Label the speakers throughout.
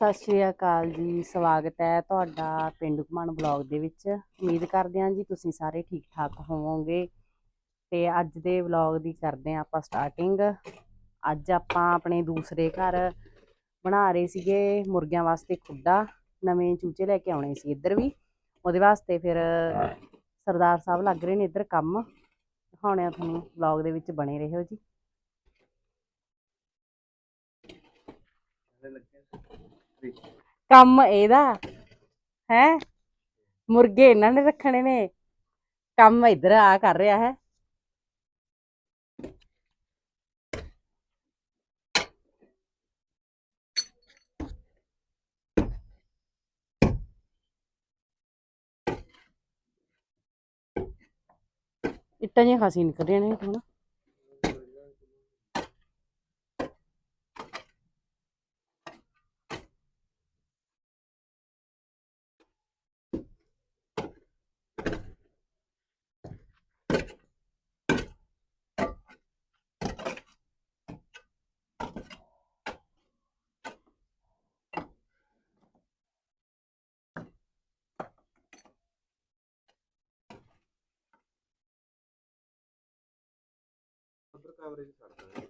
Speaker 1: ਸਤਿ ਸ਼੍ਰੀ ਅਕਾਲ ਜੀ। ਸਵਾਗਤ ਹੈ ਤੁਹਾਡਾ ਪੇਂਡੂ ਘੁੰਮਣ ਬਲੌਗ ਦੇ ਵਿੱਚ। ਉਮੀਦ ਕਰਦੇ ਹਾਂ ਜੀ ਤੁਸੀਂ ਸਾਰੇ ਠੀਕ ਠਾਕ ਹੋਵੋਗੇ। ਤੇ ਅੱਜ ਦੇ ਬਲੌਗ ਦੀ ਕਰਦੇ ਹਾਂ ਆਪਾਂ ਸਟਾਰਟਿੰਗ। ਅੱਜ ਆਪਾਂ ਆਪਣੇ ਦੂਸਰੇ ਘਰ ਬਣਾ ਰਹੇ ਸੀਗੇ ਮੁਰਗਿਆਂ ਵਾਸਤੇ ਖੁੱਡਾ। ਨਵੇਂ ਚੂਚੇ ਲੈ ਕੇ ਆਉਣੇ ਸੀ ਇੱਧਰ ਵੀ, ਉਹਦੇ ਵਾਸਤੇ ਫਿਰ ਸਰਦਾਰ ਸਾਹਿਬ ਲੱਗ ਰਹੇ ਨੇ ਇੱਧਰ ਕੰਮ। ਦਿਖਾਉਣੇ ਆ ਤੁਹਾਨੂੰ, ਬਲੌਗ ਦੇ ਵਿੱਚ ਬਣੇ ਰਹੋ ਜੀ। ਕੰਮ ਇਹਦਾ ਹੈ, ਮੁਰਗੇ ਇਹਨਾਂ ਨੇ ਰੱਖਣੇ ਨੇ, ਕੰਮ ਇੱਧਰ ਆ ਕਰ ਰਿਹਾ ਹੈ। ਇੱਟਾਂ ਜਿਹੀਆਂ ਖਾਸੀ ਨਿਕਲ ਰਹੀਆਂ ਨੇ ਹੁਣ।
Speaker 2: ਕਵਰੇਜ ਛੱਡਦਾ ਜਦੋਂ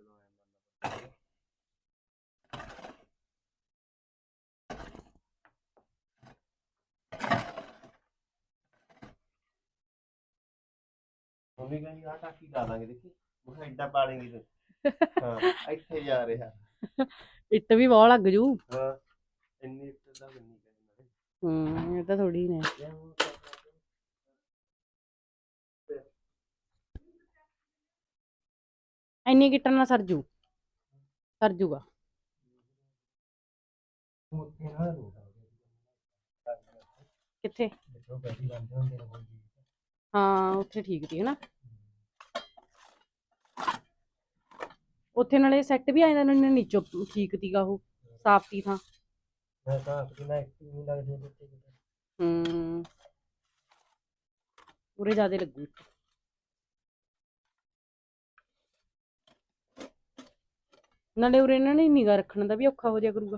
Speaker 2: ਮੰਮੀ ਕਹਿੰਦੀ ਆ ਟਾਕੀ ਲਾ ਦਾਂਗੇ, ਦੇਖੀ ਮੈਂ ਐਡਾ ਪਾਲੇਂਗੀ ਤੂੰ। ਹਾਂ ਇੱਥੇ ਜਾ ਰਿਹਾ।
Speaker 1: ਇੱਟ ਵੀ ਬਹੁਤ ਲੱਗ ਜੂ।
Speaker 2: ਹਾਂ ਇੰਨੀ ਇੱਟ ਦਾ ਨਹੀਂ
Speaker 1: ਇਹ ਤਾਂ ਥੋੜੀ ਨੇ। ਇੰਨੀ ਕਿੱਟਾਂ ਨਾਲ ਸਰ ਜੂਗਾ। ਕਿੱਥੇ? ਹਾਂ ਉੱਥੇ ਠੀਕ ਸੀ ਹਨਾ। ਉੱਥੇ ਨਾਲੇ ਸੈੱਟ ਵੀ ਆ ਜਾਂਦਾ, ਨੀਚੋਂ ਠੀਕ ਸੀਗਾ, ਉਹ ਸਾਫ ਸੀ ਥਾਂ। ਉਰੇ ਜ਼ਿਆਦਾ ਲੱਗੂ। ਨਾਲੇ ਉਰੇ ਇਹਨਾਂ ਨੇ ਨਿਗਾਹ ਰੱਖਣ ਦਾ ਵੀ ਔਖਾ ਹੋ ਜਾਇਆ ਕਰੂਗਾ।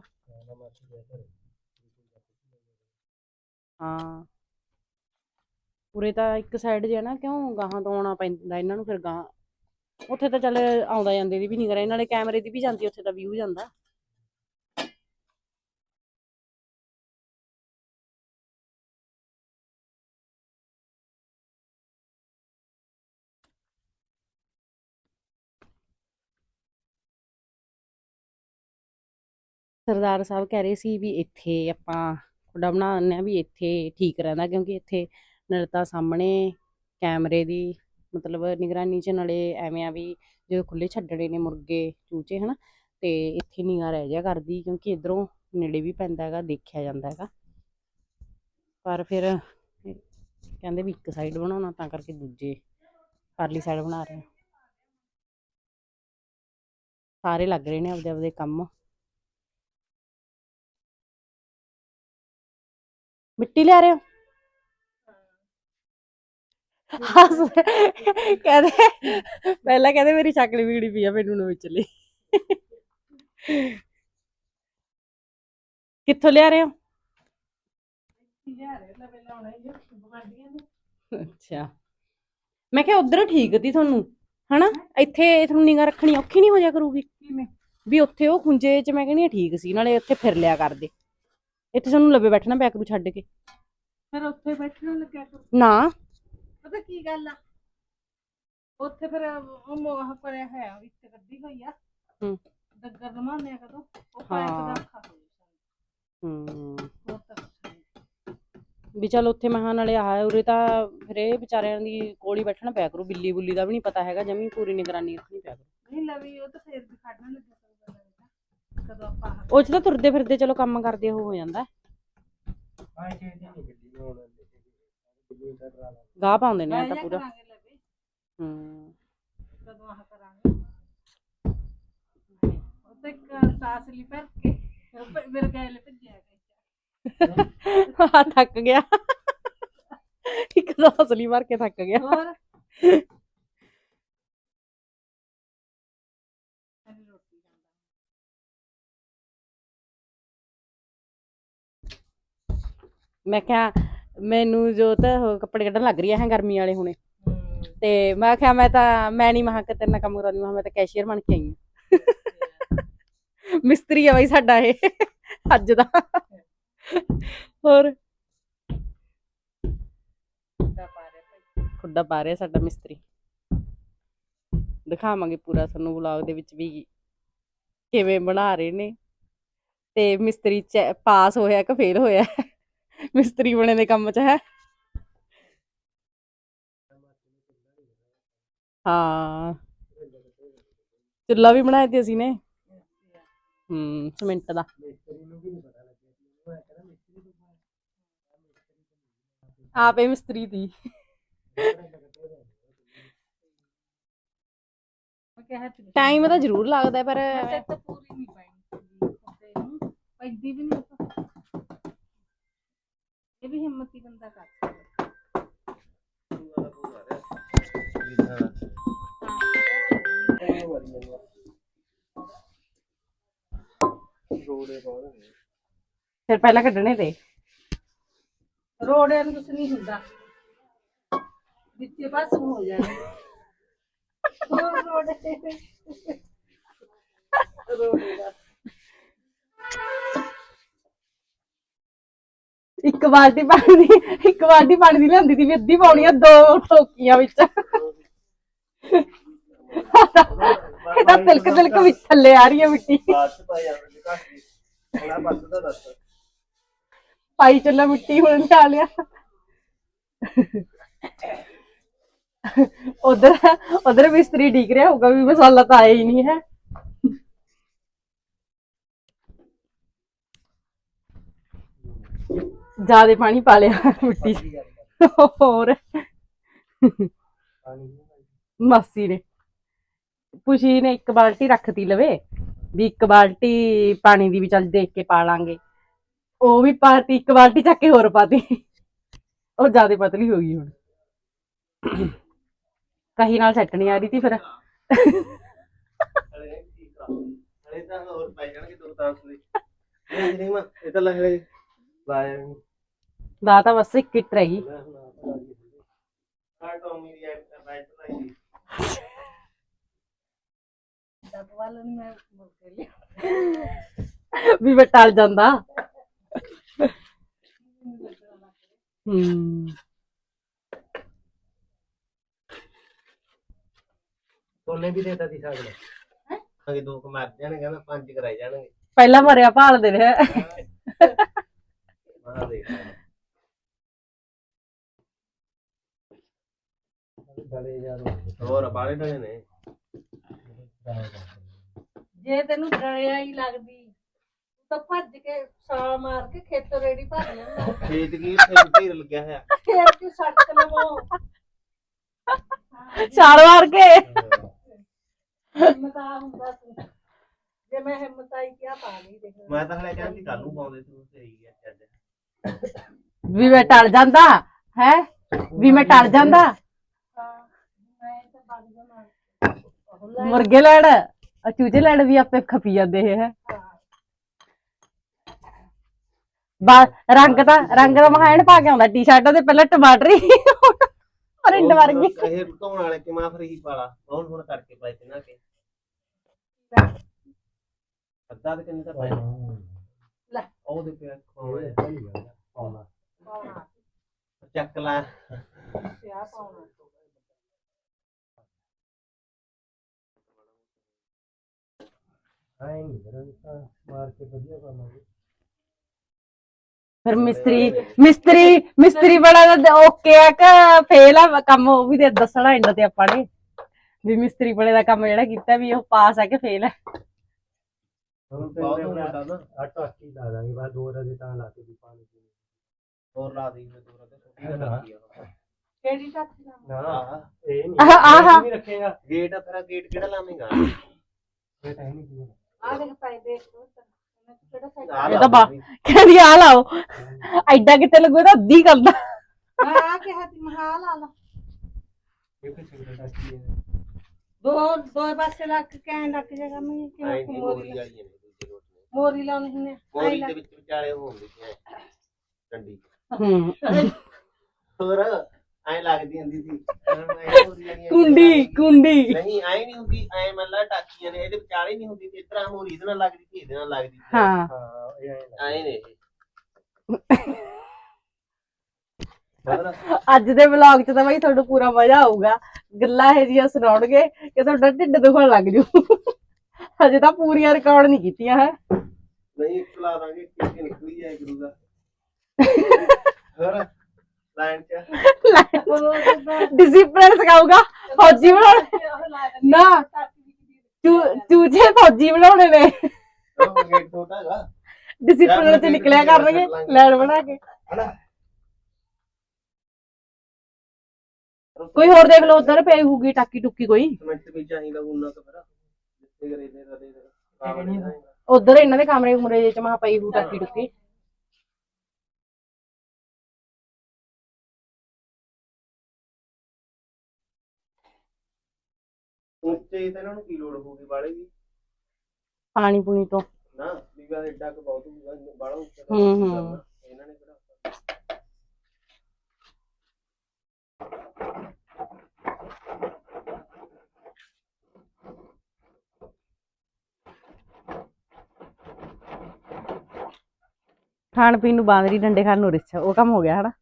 Speaker 1: ਹਾਂ ਉਰੇ ਤਾਂ ਇੱਕ ਸਾਈਡ ਜਿਹਾ ਨਾ, ਕਿਉਂ ਗਾਹਾਂ ਤੋਂ ਆਉਣਾ ਪੈਂਦਾ ਇਹਨਾਂ ਨੂੰ, ਫਿਰ ਗਾਹਾਂ ਉੱਥੇ ਤਾਂ ਚੱਲ ਆਉਂਦਾ ਜਾਂਦੇ ਦੀ ਵੀ ਨਿਗਾਹ, ਨਾਲੇ ਕੈਮਰੇ ਦੀ ਵੀ ਜਾਂਦੀ, ਉੱਥੇ ਤਾਂ ਵਿਊ ਜਾਂਦਾ। ਸਰਦਾਰ ਸਾਹਿਬ ਕਹਿ ਰਹੇ ਸੀ ਵੀ ਇੱਥੇ ਆਪਾਂ ਖੁੱਡਾ ਬਣਾ ਦਿੰਦੇ ਹਾਂ, ਵੀ ਇੱਥੇ ਠੀਕ ਰਹਿੰਦਾ, ਕਿਉਂਕਿ ਇੱਥੇ ਨਾਲੇ ਤਾਂ ਸਾਹਮਣੇ ਕੈਮਰੇ ਦੀ ਮਤਲਬ ਨਿਗਰਾਨੀ 'ਚ, ਨਾਲੇ ਐਵੇਂ ਆ ਵੀ ਜਦੋਂ ਖੁੱਲ੍ਹੇ ਛੱਡਣੇ ਨੇ ਮੁਰਗੇ ਚੂਚੇ ਹਨਾ, ਤੇ ਇੱਥੇ ਨਿਗਾਹ ਰਹਿ ਜਾ ਕਰਦੀ, ਕਿਉਂਕਿ ਇੱਧਰੋਂ ਨੇੜੇ ਵੀ ਪੈਂਦਾ ਹੈਗਾ, ਦੇਖਿਆ ਜਾਂਦਾ ਹੈਗਾ। ਪਰ ਫਿਰ ਕਹਿੰਦੇ ਵੀ ਇੱਕ ਸਾਈਡ ਬਣਾਉਣਾ, ਤਾਂ ਕਰਕੇ ਦੂਜੇ ਪਰਲੀ ਸਾਈਡ ਬਣਾ ਰਹੇ। ਸਾਰੇ ਲੱਗ ਰਹੇ ਨੇ ਆਪਦੇ ਆਪਦੇ ਕੰਮ। ਮਿੱਟੀ ਲਿਆ ਰਹੇ ਹੋ? ਕਹਿੰਦੇ ਪਹਿਲਾਂ ਕਹਿੰਦੇ ਮੇਰੀ ਸ਼ਕਲ ਵਿਗੜੀ ਪਈ ਆ, ਮੈਨੂੰ ਨਾ ਵਿਚਲੀ। ਕਿੱਥੋਂ ਲਿਆ ਰਹੇ ਹੋ? ਅੱਛਾ ਮੈਂ ਕਿਹਾ ਉਧਰ ਠੀਕ ਤੀ ਤੁਹਾਨੂੰ ਹਨਾ, ਇੱਥੇ ਤੁਹਾਨੂੰ ਨਿਗਾਹ ਰੱਖਣੀ ਔਖੀ ਨਹੀਂ ਹੋ ਜਾ ਕਰੂਗੀ ਵੀ ਉੱਥੇ ਉਹ ਖੁੰਝੇ 'ਚ ਮੈਂ ਕਹਿੰਦੀ ਠੀਕ ਸੀ, ਨਾਲੇ ਉੱਥੇ ਫਿਰ ਲਿਆ ਕਰਦੇ, ਇੱਥੇ ਤੁਹਾਨੂੰ ਲਵੇ ਬੈਠਣਾ ਪਿਆ ਕਰੂ ਛੱਡ ਕੇ। ਫਿਰ ਉੱਥੇ ਬੈਠਣਾ ਲੱਗਿਆ ਕਰੂ ਨਾ, ਪਤਾ ਕੀ ਗੱਲ ਆ, ਉੱਥੇ ਫਿਰ ਉਹ ਮੋਹ ਕਰਿਆ ਹੋਇਆ ਵਿੱਚ ਕੱਢੀ ਹੋਈ ਆ, ਡੱਗਰ ਲਮਾਉਂਦੇ ਆ ਕਦੋਂ ਉਹ ਪਾਇਪ ਦਾ ਔਖਾ ਹੋ ਵੀ ਚੱਲ ਉੱਥੇ ਮਹਾਂ ਨਾਲੇ ਆਹ ਉਰੇ ਤਾਂ ਫਿਰ ਇਹ ਵਿਚਾਰਿਆਂ ਦੀ ਕੋਲ ਹੀ ਬੈਠਣਾ ਪਿਆ ਕਰੂ, ਬਿੱਲੀ ਬੁੱਲੀ ਦਾ ਵੀ ਨਹੀਂ ਪਤਾ ਹੈਗਾ, ਜਮੀ ਪੂਰੀ ਨਿਗਰਾਨੀ ਰੱਖਣੀ ਪਿਆ ਕਰੂ। ਨਹੀਂ ਲਵੀ ਉਹ ਤਾਂ ਫੇਰ ਵੀ ਖੜਨਾ ਲੱਗਿਆ ਕਦੋਂ ਆਪਾਂ ਉਹ 'ਚ ਤਾਂ ਤੁਰਦੇ ਫਿਰਦੇ ਚਲੋ ਕੰਮ ਕਰਦੇ ਉਹ ਹੋ ਜਾਂਦਾ। ਗਾਹ ਪਾਉਂਦੇ ਨੇ ਤਾਂ ਪੂਰਾ। ਕਦੋਂ ਆਹ ਕਰਾਂਗੇ ਉੱਤੇ ਸਾਸ ਲਈ ਭਰ ਕੇ ਮੇਰੇ ਗੈਲ ਭੱਜਿਆ ਥੱਕ ਗਿਆ ਇੱਕ ਤਾਂ ਅਸਲੀ ਭਰ ਕੇ ਥੱਕ ਗਿਆ। ਮੈਂ ਕਿਹਾ ਮੈਨੂੰ ਜੋ ਤਾਂ ਉਹ ਕੱਪੜੇ ਕੱਢਣ ਲੱਗ ਰਹੀ ਹੈ ਗਰਮੀ ਵਾਲੇ ਹੁਣੇ ਤੇ ਮੈਂ ਕਿਹਾ ਮੈਂ ਨਹੀਂ ਮਹਾਂ ਕਿ ਤੇਰੇ ਨਾਲ ਕੰਮ ਕਰਾਉਂਦੀ ਮੈਂ ਤਾਂ ਕੈਸ਼ੀਅਰ ਬਣ ਕੇ ਆਈ ਹਾਂ ਮਿਸਤਰੀ ਆ ਬਾਈ ਸਾਡਾ ਇਹ ਅੱਜ ਦਾ ਹੋਰ ਖੁੱਡਾ ਪਾ ਰਿਹਾ ਸਾਡਾ ਮਿਸਤਰੀ ਦਿਖਾਵਾਂਗੇ ਪੂਰਾ ਤੁਹਾਨੂੰ ਵਲੌਗ ਦੇ ਵਿੱਚ ਵੀ ਕਿਵੇਂ ਬਣਾ ਰਹੇ ਨੇ ਤੇ ਮਿਸਤਰੀ ਪਾਸ ਹੋਇਆ ਕਿ ਫੇਲ ਹੋਇਆ ਮਿਸਤਰੀ ਬਣੇ ਦੇ ਕੰਮ 'ਚ ਹੈ ਹਾਂ ਚੁੱਲਾ ਵੀ ਬਣਾਇਆ ਤੇ ਅਸੀਂ ਨੇ ਸੀਮੈਂਟ ਦਾ ਆਪੇ ਮਿਸਤਰੀ ਦੀ ਟਾਈਮ ਤਾਂ ਜ਼ਰੂਰ ਲੱਗਦਾ ਪਰ
Speaker 3: ਪੂਰੀ ਨਹੀਂ ਪੈਣੀ ਪੈਂਦੀ ਵੀ ਨਹੀਂ ਇਹ ਵੀ ਹਿੰਮਤੀ ਬੰਦਾ ਕਰ ਸਕਦਾ
Speaker 1: ਫਿਰ ਪਹਿਲਾਂ ਕੱਢਣੇ ਤੇ
Speaker 3: ਰੋੜਿਆਂ ਨੂੰ ਕੁਛ ਨਹੀਂ ਹੁੰਦਾ ਵਿੱਚੇ ਬਸ ਹੋ ਜਾਣਾ ਰੋੜੇ ਦਾ
Speaker 1: ਇੱਕ ਬਾਲਟੀ ਪਾਣੀ ਦੀ ਲਿਆਂਦੀ ਸੀ ਵੀ ਅੱਧੀ ਪਾਉਣੀ ਆ 2 ਟੋਕੀਆਂ ਵਿੱਚ ਇਹਦਾ ਤਿਲਕ ਵਿੱਚ ਥੱਲੇ ਆ ਰਹੀ ਹੈ ਮਿੱਟੀ ਪਾਈ ਚੱਲਾ ਮਿੱਟੀ ਹੁਣ ਲਿਆ ਲਿਆ ਉਧਰ ਮਿਸਤਰੀ ਡੀਕ ਰਿਹਾ ਹੋਊਗਾ ਵੀ ਮਸਾਲਾ ਤਾਂ ਆਇਆ ਹੀ ਨਹੀਂ ਹੈ ਜ਼ਿਆਦਾ ਪਾਣੀ ਪਾ ਲਿਆ ਮਿੱਟੀ ਹੋਰ ਮਾਸੀ ਨੇ ਪੁਸ਼ੀ ਨੇ 1 ਬਾਲਟੀ ਰੱਖਤੀ ਲਵੇ ਵੀ 1 ਬਾਲਟੀ ਪਾਣੀ ਦੀ ਵੀ ਚੱਲ ਦੇਖ ਕੇ ਪਾ ਲਾਂਗੇ ਉਹ ਵੀ ਪਾਤੀ 1 ਬਾਲਟੀ ਚੱਕ ਕੇ ਹੋਰ ਪਾਤੀ ਉਹ ਜ਼ਿਆਦਾ ਪਤਲੀ ਹੋ ਗਈ ਹੁਣ ਕਹੀ ਨਾਲ ਸੈੱਟ ਨਹੀਂ ਆ ਰਹੀ ਸੀ ਫਿਰ ਦਾ ਤਾਂ ਬਸ 1 ਕਿੱਟ ਰਹਿ ਗਈ ਵੀ ਮੈਂ ਟਲ ਜਾਂਦਾ
Speaker 2: ਸੋਨੇ ਵੀ ਦੇਤਾ ਸੀ ਸਾਗ ਅਗੇ 2 ਮਰ ਜਾਣਗੇ ਕਹਿੰਦਾ 5 ਕਰਾਈ ਜਾਣਗੇ
Speaker 1: ਪਹਿਲਾਂ ਮਰਿਆ ਭਾਲਦੇ ਨੇ
Speaker 2: ਹੋਰ ਬਾਲੇ ਡਲੇ ਨੇ
Speaker 3: ਜੇ ਤੈਨੂੰ ਡਰਿਆ ਹੀ ਲੱਗਦੀ ਤਾਂ ਭੱਜ ਕੇ ਛਾਲ ਮਾਰ ਕੇ ਖੇਤੋਂ ਰੇੜੀ ਭਰ ਲੈਂਦਾ
Speaker 2: ਖੇਤ ਕੀ ਢੇਰ ਲੱਗਿਆ ਹੋਇਆ
Speaker 3: ਫੇਰ ਕਿ ਸੜਕ ਲਵੋ
Speaker 1: ਛਾਲ ਮਾਰ ਕੇ
Speaker 3: ਹਿੰਮਤ ਆ ਹੁੰਦਾ ਸੀ ਜੇ ਮੈਂ ਹਿੰਮਤ ਆਈ ਕਿਆ ਪਾ ਲਈ ਦੇਖ
Speaker 2: ਮੈਂ ਤਾਂ ਹਲੇ ਕਹਿੰਦੀ ਕੱਲ ਨੂੰ ਪਾਉਂਦੇ ਤੂੰ ਸਹੀ ਗਿਆ ਅੱਜ
Speaker 1: ਵੀ ਮੈਂ ਟਲ ਜਾਂਦਾ ਹੈ ਵੀ ਮੈਂ ਟਲ ਜਾਂਦਾ
Speaker 3: ਮੈਂ ਤਾਂ ਬਗ ਜਾਣਾ
Speaker 1: ਮੁਰਗੇ ਲੈਣ ਚੂਚੇ ਲੈਣ ਵੀ ਆਪੇ ਖਪੀ ਜਾਂਦੇ ਇਹ ਹੈ ਰੰਗ ਦਾ ਮਹਾਨ ਪਾ ਕੇ ਆਉਂਦਾ ਟੀ-ਸ਼ਰਟ ਤੇ ਪਹਿਲਾਂ ਟਮਾਟਰੀ ਰਿੰਡ ਵਰਗੀ
Speaker 2: ਇਹ ਧੋਣ ਵਾਲੇ ਕਿ ਮੈਂ ਫਿਰ ਹੀ ਪਾਲਾ ਹੁਣ ਕਰਕੇ ਪਾਏ ਤੇ ਨਾ ਕੇ ਅੱਧਾ ਤੇ ਕਿੰਨੇ ਦਾ ਪਾਇਆ
Speaker 3: ਲੈ
Speaker 2: ਉਹ ਦੇ ਪਿਆ ਪਾਉਣਾ ਚੱਕ ਲੈ
Speaker 3: ਸਿਆ ਪਾਉਣਾ
Speaker 2: ਆਏ ਨਹੀਂ ਮਾਰ ਕੇ ਵਧੀਆ ਪਾਵਾਂਗੇ
Speaker 1: ਫਿਰ ਮਿਸਤਰੀ ਬੜਾ ਓਕੇ ਆ ਕਿ ਫੇਲ ਆ ਕੰਮ ਉਹ ਵੀ ਦੱਸਣਾ ਇੰਡ ਤੇ ਆਪਾਂ ਨੇ ਵੀ ਮਿਸਤਰੀ ਬੜੇ ਦਾ ਕੰਮ ਜਿਹੜਾ ਕੀਤਾ ਵੀ ਉਹ ਪਾਸ ਆ ਕਿ ਫੇਲ ਹੈ
Speaker 2: ਟਾਕੀ ਲਾ ਦਾਂਗੇ ਬਾਅਦ 2 ਰਦੇ ਤਾਂ ਲਾ ਕੇ ਵੀ ਪਾਣੀ ਹੋਰ ਲਾ ਦੇ 2 ਰਦੇ
Speaker 3: ਕਿਹੜੀ ਟਾਕੀ
Speaker 2: ਨਾ ਇਹ ਨਹੀਂ ਰੱਖੇਗਾ ਗੇਟ ਤੇਰਾ ਗੇਟ ਕਿਹੜਾ ਲਾਵੇਂਗਾ ਗੇਟ ਹੈ ਨਹੀਂ
Speaker 3: ਆ ਦੇਖ ਪਾਈ ਦੇਖ
Speaker 1: ਇਹ ਤਾਂ ਕਹਿੰਦੀ ਆ ਲਾਓ ਐਡਾ ਕਿਤੇ ਲੱਗੂ ਤਾਂ ਅੱਧੀ ਕਰਦਾ
Speaker 3: ਹਾਂ ਕਿਹਾ ਤੀ ਮਹਾਲ ਆ ਲਾ ਦੋ ਪਾਸੇ ਲੱਗ ਕੇ ਲੱਗ ਜਾਏਗਾ ਮੈਂ ਕਿਵੇਂ ਮੋਰੀ ਲਾਉਣੀ ਹੁੰਦੀ
Speaker 2: ਮੋਰੀ ਦੇ ਵਿੱਚ ਵਿਚਾਲੇ ਹੁੰਦੀ ਹੈ ਡੰਡੀ
Speaker 1: ਹੂੰ
Speaker 2: ਹੋਰ ਐ ਲੱਗਦੀ ਹੁੰਦੀ ਸੀ
Speaker 1: ਕੁੰਡੀ
Speaker 2: ਨਹੀਂ ਐ ਨਹੀਂ ਹੁੰਦੀ ਐ ਮਤਲਬ ਟਾਕੀਆਂ ਨੇ ਇਹਦੇ ਵਿਚਾਲੇ ਨਹੀਂ ਹੁੰਦੀ ਤੇ ਇਸ ਤਰ੍ਹਾਂ ਮੋਰੀ ਇਹਦੇ ਨਾਲ ਲੱਗਦੀ ਸੀ ਇਹਦੇ ਨਾਲ ਲੱਗਦੀ ਸੀ
Speaker 1: ਹਾਂ
Speaker 2: ਐ ਨੇ
Speaker 1: ਅੱਜ ਦੇ ਵਲੌਗ 'ਚ ਤਾਂ ਬਾਈ ਤੁਹਾਨੂੰ ਪੂਰਾ ਮਜ਼ਾ ਆਊਗਾ ਗੱਲਾਂ ਇਹ ਜੀਆਂ ਸੁਣਾਉਣਗੇ ਕਿ ਤੁਹਾਡਾ ਢਿੱਡ ਦੁਖਣ ਲੱਗ ਜੂ ਹਜੇ ਤਾਂ ਪੂਰੀਆਂ ਰਿਕਾਰਡ ਨਹੀਂ ਕੀਤੀਆਂ ਹੈ
Speaker 2: ਨਹੀਂ ਖਲਾ ਦਾਂਗੇ ਕਿ ਨਿਕਲੀ ਜਾਏ ਕਰੂਗਾ ਹੋਰ ਲਾਈਨ ਚ
Speaker 1: ਡਿਸਿਪਲਿਨ ਸਿਖਾਊਗਾ ਫੌਜੀ ਬਣਾਉਣੇ ਨਾ ਚੂਚੇ ਫੌਜੀ ਬਣਾਉਣੇ ਨੇ
Speaker 2: ਉਹ ਗੇਟ ਛੋਟਾ ਹੈਗਾ
Speaker 1: ਡਿਸਿਪਲਿਨ 'ਚ ਨਿਕਲਿਆ ਕਰਨਗੇ ਲੈਣ ਬਣਾ ਕੇ
Speaker 2: ਹਨਾ
Speaker 1: ਕੋਈ ਹੋਰ ਦੇਖ ਲਓ ਉਧਰ ਪਈ ਹੋਊਗੀ ਟਾਕੀ ਟੁੱਕੀ ਕੋਈ
Speaker 2: ਸਮੈਂਟ ਵੀ ਚਾਹੀਦਾ ਉਹਨਾਂ ਤੋਂ ਫਿਰ ਜਿੱਥੇ ਕਰੇ ਦੇ ਰਦੇ
Speaker 1: ਉਧਰ ਇਹਨਾਂ ਦੇ ਕਮਰੇ ਕੁਮਰੇ ਚ ਮਾ ਪਈ ਹੋਊ ਟਾਕੀ ਟੁੱਕੀ
Speaker 2: ਉੱਚੇ ਤੇ ਇਹਨਾਂ ਨੂੰ ਕੀ ਲੋੜ ਹੋਊਗੀ ਵਾਲੇ ਦੀ
Speaker 1: ਪਾਣੀ ਪੂਣੀ ਤੋਂ
Speaker 2: ਨਾ ਵੀਗਾ ਐਡਾ ਕੁ ਬਹੁਤ ਹੋਊਗਾ ਬਾਲਾ ਉੱਚਾ
Speaker 1: ਹੂੰ
Speaker 2: ਇਹਨਾਂ ਨੇ ਕਿਹੜਾ
Speaker 1: ਖਾਣ ਪੀਣ ਨੂੰ ਬਾਂਦਰੀ ਡੰਡੇ ਖਾਣ ਨੂੰ ਰਿਛ ਉਹ ਕੰਮ ਹੋ ਗਿਆ ਹਨਾ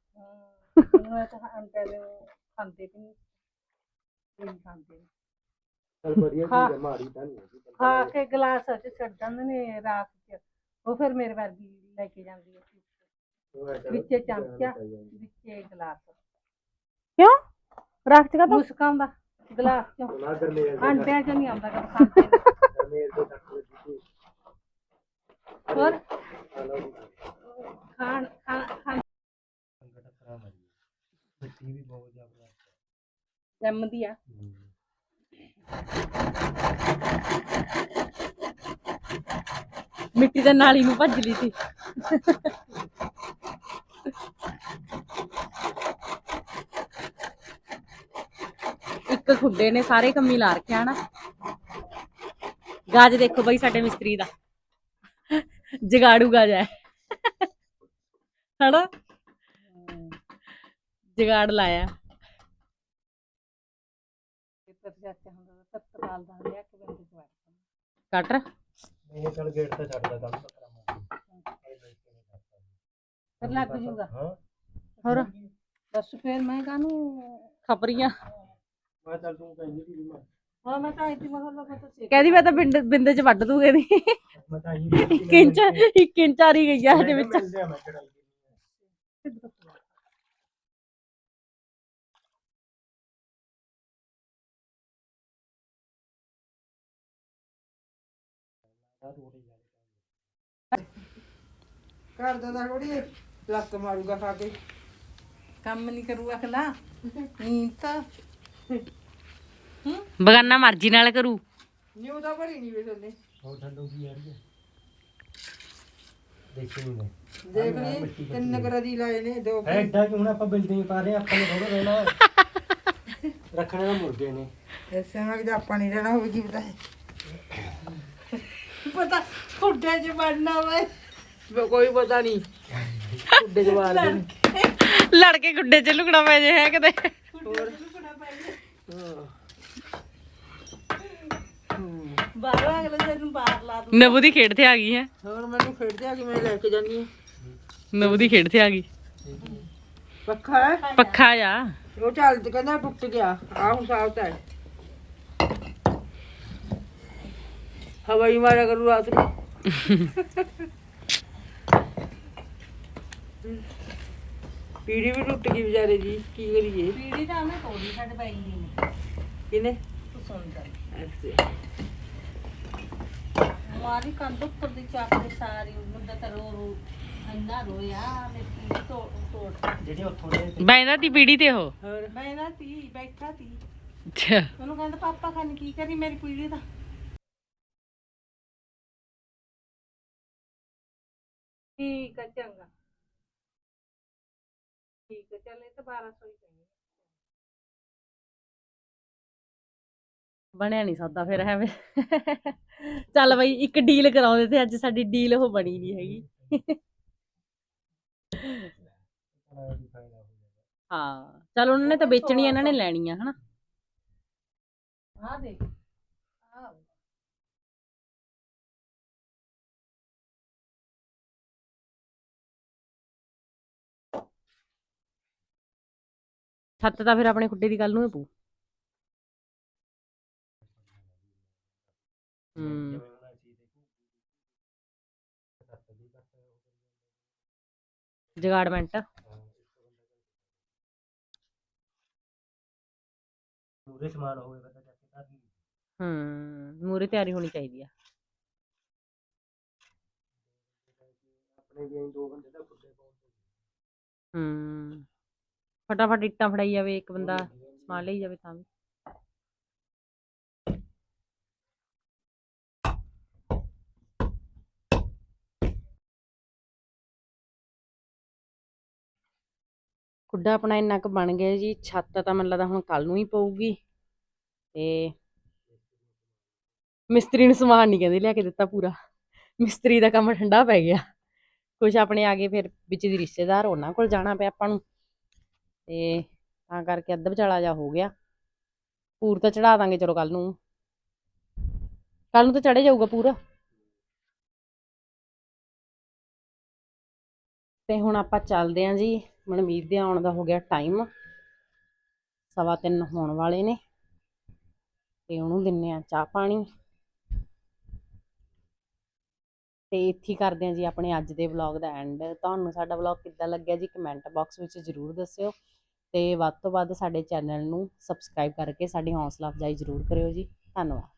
Speaker 3: ਖਾਂਦੇ ਵੀ ਨਹੀਂ ਖਾਂਦੇ
Speaker 2: ਚਲ ਵਧੀਆ
Speaker 3: ਹਾਂ।
Speaker 2: ਚੀਜ਼ ਹੈ ਮਾੜੀ ਤਾਂ ਨਹੀਂ ਹੈਗੀ
Speaker 3: ਖਾ ਕੇ ਗਲਾਸ ਚ ਛੱਡ ਜਾਂਦੇ ਨੇ ਰਾਤ ਚ ਉਹ ਫਿਰ ਮੇਰੇ ਵਰਗੀ ਲੈ ਕੇ ਜਾਂਦੀ ਹੈ ਵਿੱਚੇ ਚਮਚਾ ਵਿੱਚੇ ਗਲਾਸ
Speaker 1: ਕਿਉਂ ਰੱਖ ਚਗਾ ਤੂੰ
Speaker 3: ਮੁਸਕਾਂ ਦਾ ਗਲਾਸ ਚੋਂ
Speaker 2: ਨਾ ਕਰ ਲੈ
Speaker 3: ਆਂਡਿਆਂ ਚ ਨਹੀਂ ਆਉਂਦਾ ਕਦ ਖਾਂਦੇ ਨੇ।
Speaker 2: ਮੇਰੇ ਤੋਂ ਤੱਕ ਲੱਗੀ
Speaker 3: ਹੋਰ
Speaker 2: ਹਲੋ
Speaker 3: ਖਾਣ
Speaker 2: ਸੰਗਤ ਖਰਾਬ ਹੈ ਮਿੱਟੀ ਵੀ ਬਹੁਤ ਜ਼ਿਆਦਾ
Speaker 3: ਜੰਮਦੀ ਆ
Speaker 1: ਮਿੱਟੀ ਦੇ ਨਾਲੀ ਨੂੰ ਭੱਜ ਲਈ ਸੀ ਇੱਕ ਖੁੱਡੇ ਨੇ ਸਾਰੇ ਕੰਮੀ ਲਾ ਰੱਖਿਆ ਹਨਾ ਗਾਜ ਦੇਖੋ ਬਈ ਸਾਡੇ ਮਿਸਤਰੀ ਦਾ ਜਗਾੜੂ ਗਾਜ ਹੈ ਹਨਾ ਜਗਾੜ ਲਾਇਆ
Speaker 3: ਤਤਕਾਲ ਦਾ ਲਿਆ ਕੇ ਬੰਦੇ ਚ
Speaker 1: ਕਟਰ
Speaker 2: ਇਹ ਚਲ ਗੇਟ ਤੇ ਛੱਡਦਾ ਕੰਮ
Speaker 3: ਫਿਰ ਲੱਗ ਜੂਗਾ
Speaker 1: ਹੋਰ
Speaker 3: ਬਸ ਫਿਰ ਮੈਂ ਕਾਹਨੂੰ
Speaker 1: ਖਪਰੀਆਂ
Speaker 2: ਮੈਂ ਚੱਲ ਤੂੰ ਕਹਿੰਦੀ ਸੀ ਮੈਂ
Speaker 3: ਹਾਂ ਮੈਂ ਤਾਂ ਇੱਥੇ ਮਗਰ ਲੱਗਾ ਤਾਂ ਸਿੱਖ
Speaker 1: ਕਹਿੰਦੀ ਮੈਂ ਤਾਂ ਬਿੰਦੇ ਚ ਵੱਢ ਦੂਗੇ ਦੀ
Speaker 2: ਮੈਂ ਤਾਂ ਹੀ
Speaker 1: 1 ਇੰਚ ਆ ਰਹੀ ਗਈ ਆ ਹਜੇ ਵਿੱਚ
Speaker 2: ਮਿਲਦੇ ਆ ਮੈਂ ਚੜਾਈ
Speaker 3: ਘਰ ਦਾ ਥੋੜੀ ਲੱਕ ਮਾਰੂਗਾ ਖਾ ਕੇ ਕੰਮ ਨਹੀਂ ਕਰੂਗਾ ਖਲਾ ਨੀਂਦ ਤਾਂ
Speaker 1: ਬਗਾਨਾ ਮਰਜ਼ੀ ਨਾਲ ਕਰੂ
Speaker 3: ਨਿਊ ਤਾਂ ਭਰੀ ਨਹੀਂ ਵੇ ਥੱਲੇ
Speaker 2: ਹੋਰ ਠੰਡੂ ਕੀ ਆ ਰਹੀ ਹੈ ਦੇਖੀ ਨਹੀਂ
Speaker 3: ਦੇਖ ਲਈ ਤਿੰਨ ਕਰਦੀ ਲਾਏ ਨੇ ਦੋ
Speaker 2: ਐਡਾ ਕਿ ਹੁਣ ਆਪਾਂ ਬਿਲਡਿੰਗ ਪਾ ਰਹੇ ਆਪਾਂ ਨੇ ਥੋੜਾ ਰਹਿਣਾ ਰੱਖਣੇ ਤਾਂ ਮੁਰਗੇ ਨੇ
Speaker 3: ਐਸੇ ਮੈਂ ਕਿ ਆਪਾਂ ਨਹੀਂ ਰਹਿਣਾ ਹੋਵੇ ਕੀ ਪਤਾ ਪਤਾ ਖੁੱਡੇ ਚ ਵੜਨਾ ਵੇ ਕੋਈ ਪਤਾ ਨਹੀਂ ਖੁੱਡੇ ਚ ਵਾਲ
Speaker 1: ਲੜ ਕੇ ਗੁੱਡੇ ਚ ਲੁਕਣਾ ਪੈ ਜੇ ਹੈ ਕਿਤੇ
Speaker 3: ਬਾਹਰ ਅਗਲੇ ਦਿਨ ਨੂੰ ਬਾਹਰ ਲਾ ਦੂੰ
Speaker 1: ਨਬੂ ਦੀ ਖੇਡ ਤੇ ਆ ਗਈ ਹੈ
Speaker 3: ਹੋਰ ਮੈਨੂੰ ਖੇਡਦੇ ਆ ਕਿ ਮੈਂ ਲੈ ਕੇ ਜਾਂਦੀ ਹਾਂ
Speaker 1: ਨਬੂ ਦੀ ਖੇਡ ਤੇ ਆ ਗਈ
Speaker 3: ਪੱਖਾ ਹੈ
Speaker 1: ਪੱਖਾ ਜਾ
Speaker 3: ਉਹ ਚੱਲ ਤੇ ਕਹਿੰਦਾ ਟੁੱਟ ਗਿਆ ਆ ਹੁਣ ਸਾਫ ਹੈ ਹਵਾਈ ਮਾਰਿਆ ਕਰੂ ਰਾਤ ਨੂੰ ਪੀੜੀ ਵੀ ਟੁੱਟ ਗਈ ਵਿਚਾਰੇ ਦੀ ਕੀ ਕਰੀਏ ਪੀੜੀ ਤਾਂ ਉਹਨੇ ਤੋੜੀ ਸਾਡੇ ਬਾਈ ਦੀ ਨੇ ਕਿਨੇ ਤੂੰ ਸੁਣ ਜਾ ਮਾਰੀ ਕੰਧ ਉੱਪਰ ਦੀ ਚਾਕ ਦੀ ਸਾਰੀ ਮੁੰਡਾ ਤਾਂ ਰੋ ਇੰਨਾ ਰੋਇਆ ਮੈਂ ਪੀੜੀ ਤੋੜ
Speaker 2: ਜਿਹੜੇ ਉੱਥੋਂ ਦੇ
Speaker 1: ਬੈਂਦਾ ਤੀ ਪੀੜੀ ਤੇ ਉਹ
Speaker 3: ਹੋਰ ਮੈਂ ਨਾ ਤੀ ਬੈਠਾ ਤੀ
Speaker 1: ਅੱਛਾ
Speaker 3: ਉਹਨੂੰ ਕਹਿੰਦਾ ਪਾਪਾ ਖਾਨ ਕੀ ਕਰੀ ਮੇਰੀ ਪੀੜੀ ਦਾ ਠੀਕ ਹੈ ਚੰਗਾ ਠੀਕ ਹੈ ਚੱਲ ਇਹ ਤਾਂ 1200 ਹੀ ਪੈਣੀ
Speaker 1: ਬਣਿਆ ਨਹੀਂ ਸੌਦਾ ਫਿਰ ਐਵੇਂ ਚੱਲ ਬਈ ਇੱਕ ਡੀਲ ਕਰਾਉਂਦੇ ਤੇ ਅੱਜ ਸਾਡੀ ਡੀਲ ਉਹ ਬਣੀ ਨਹੀਂ ਹੈਗੀ ਹਾਂ ਚਲ ਉਹਨਾਂ ਨੇ ਤਾਂ ਵੇਚਣੀ ਇਹਨਾਂ ਨੇ ਲੈਣੀ ਆ ਹਨਾ।
Speaker 3: ਆ ਦੇਖ ਆ
Speaker 1: ਛੱਤ ਤਾਂ ਫਿਰ ਆਪਣੇ ਖੁੱਡੇ ਦੀ ਗੱਲ ਨੂੰ ਹੀ ਪਊ। ਹੂੰ ਜਗਾੜਮੈਂਟ
Speaker 2: ਪੂਰੇ ਸਮਾਨ ਹੋਵੇ ਪਤਾ ਚੱਕ ਕੇ ਘਰ
Speaker 1: ਮੂਰੇ ਤਿਆਰੀ ਹੋਣੀ ਚਾਹੀਦੀ ਆ।
Speaker 2: ਆਪਣੇ ਵੀ 2 ਬੰਦੇ ਦਾ ਖੁੱਡੇ ਪਾਉਣ
Speaker 1: ਫਟਾਫਟ ਇੱਟਾਂ ਫੜਾਈ ਜਾਵੇ ਇੱਕ ਬੰਦਾ ਸਮਾਨ ਲਈ ਜਾਵੇ ਤਾਂ ਵੀ। ਖੁੱਡਾ ਆਪਣਾ ਇੰਨਾ ਕੁ ਬਣ ਗਿਆ ਜੀ। ਛੱਤ ਤਾਂ ਮੈਨੂੰ ਲੱਗਦਾ ਹੁਣ ਕੱਲ ਨੂੰ ਹੀ ਪਊਗੀ। ਤੇ ਮਿਸਤਰੀ ਨੂੰ ਸਮਾਨ ਨਹੀਂ ਕਹਿੰਦੇ ਲਿਆ ਕੇ ਦਿੱਤਾ ਪੂਰਾ। ਮਿਸਤਰੀ ਦਾ ਕੰਮ ਠੰਡਾ ਪੈ ਗਿਆ। ਕੁਛ ਆਪਣੇ ਆ ਗਏ ਫਿਰ ਵਿੱਚ ਦੀ ਰਿਸ਼ਤੇਦਾਰ ਉਹਨਾਂ ਕੋਲ ਜਾਣਾ ਪਿਆ ਆਪਾਂ ਨੂੰ ਤੇ ਤਾਂ ਕਰਕੇ ਅੱਧ ਵਿਚਾਲਾ ਜਾ ਹੋ ਗਿਆ। ਪੂਰ ਤਾਂ ਚੜਾ ਦਾਂਗੇ ਚਲੋ ਕੱਲ ਨੂੰ ਤਾਂ ਚੜੇ ਜਾਊਗਾ ਪੂਰਾ। ਤੇ ਹੁਣ ਆਪਾਂ ਚੱਲਦੇ ਆਂ ਜੀ। ਮਨਮੀਤ ਦੇ ਆਉਣ ਦਾ ਹੋ ਗਿਆ ਟਾਈਮ 3:15 ਹੋਣ ਵਾਲੇ ਨੇ ਤੇ ਉਹਨੂੰ ਦਿੰਨੇ ਆ ਚਾਹ ਪਾਣੀ ਤੇ ਇੱਥੇ ਹੀ ਕਰਦੇ ਆਂ ਜੀ ਆਪਣੇ ਅੱਜ ਦੇ ਵਲੌਗ ਦਾ ਐਂਡ। ਤੁਹਾਨੂੰ ਸਾਡਾ ਵਲੌਗ ਕਿੱਦਾਂ ਲੱਗਿਆ ਜੀ ਕਮੈਂਟ ਬਾਕਸ ਵਿੱਚ ਜ਼ਰੂਰ ਦੱਸਿਓ ਤੇ ਵੱਧ ਤੋਂ ਵੱਧ ਸਾਡੇ ਚੈਨਲ ਨੂੰ ਸਬਸਕ੍ਰਾਈਬ ਕਰਕੇ ਸਾਡੀ ਹੌਸਲਾ ਅਫਜ਼ਾਈ ਜ਼ਰੂਰ ਕਰਿਓ ਜੀ। ਧੰਨਵਾਦ।